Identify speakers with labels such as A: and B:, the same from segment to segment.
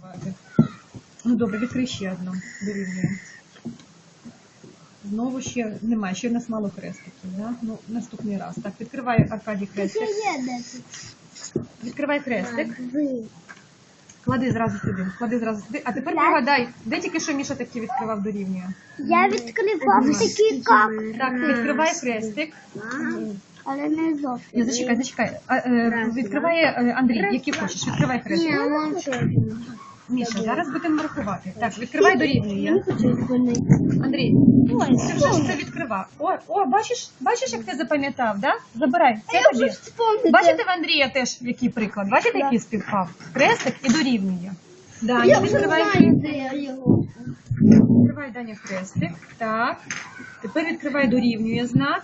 A: відкривати. Ну добре, відкрий ще одну. Дорівнює. Знову ще немає, ще в нас мало хрестиків. Да? Ну, наступний раз. Так, відкривай, Аркадій, хрестик. Відкривай хрестик. Клади зразу сюди. Клади зразу сюди. А тепер пригадай, де тільки що Міша такі відкривав дорівнює?
B: Я відкривав такі як.
A: Так, відкривай хрестик.
B: Але не зовсім.
A: Ні, зачекай. Відкриває Андрій, який хочеш. Відкривай хрестик. Міша, зараз будемо рахувати. Так, відкривай дорівнює. Андрій, ти вже ж це відкривав. О, бачиш, як ти запам'ятав, да? Забирай. Це тобі. Бачите, в Андрія теж який приклад? Бачите, який співпав? Хрестик і дорівнює. Даня, відкривай. Відкривай, Даня, хрестик. Так. Тепер відкривай дорівнює знак.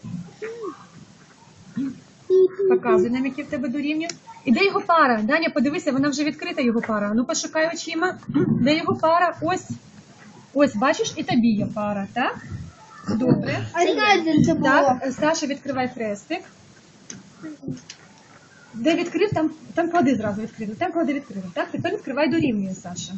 A: Показуй нам, який в тебе дорівнює. І де його пара? Даня, подивися, вона вже відкрита, його пара. Ну, пошукай очима. Де його пара? Ось. Ось, бачиш, і тобі є пара, так? Добре. Так, Саша, відкривай хрестик. Де відкрив, там клади зразу відкрив. Там клади відкрив. Так, тепер відкривай дорівнює, Саша.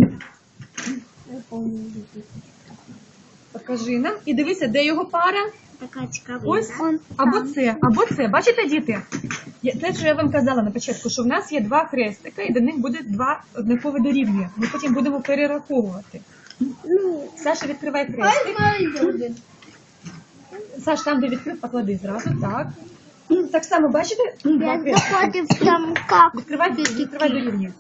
A: Покажи нам. І дивися, де його пара? Ось, або це. Бачите, діти? Те, що я вам казала на початку, що в нас є два хрестика, і до них буде два однакові дорівнює. Ми потім будемо перераховувати. Саша, відкривай хрестик. Саш, там, де відкрив, поклади зразу, так. Так само, бачите? Відкривай дорівнює.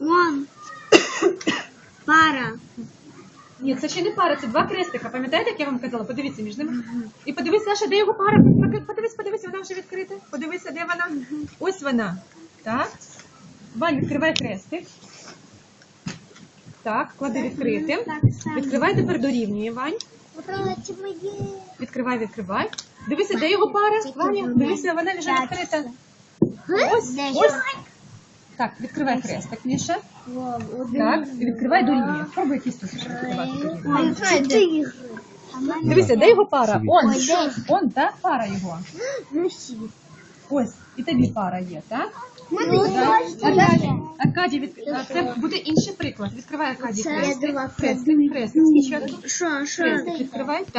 B: Пара.
A: Ні, це ще не пара, це два хрестика. Пам'ятаєте, як я вам казала? Подивіться між ними. І подивись, Саша, де його пара? Подивись, вона вже відкрита. Подивися, де вона. Ось вона. Так. Вань, відкривай хрестик. Так, клади відкритим. Відкривай, тепер дорівнює, Вань. Відкривай. Дивися, де його пара? Ваня, дивися, вона вже відкрита. Ось. Так, відкривай хрестик, Міша. Так, і відкривай дорівнює. Пробуй якийсь тут відкривати дорівнює. Дивися, де його пара? Он, так? Пара його. Ось, і тобі пара є, так? Аркадій, це буде інший приклад. Відкривай, Аркадій, хрестик. Хрестик. Хрестик відкривай.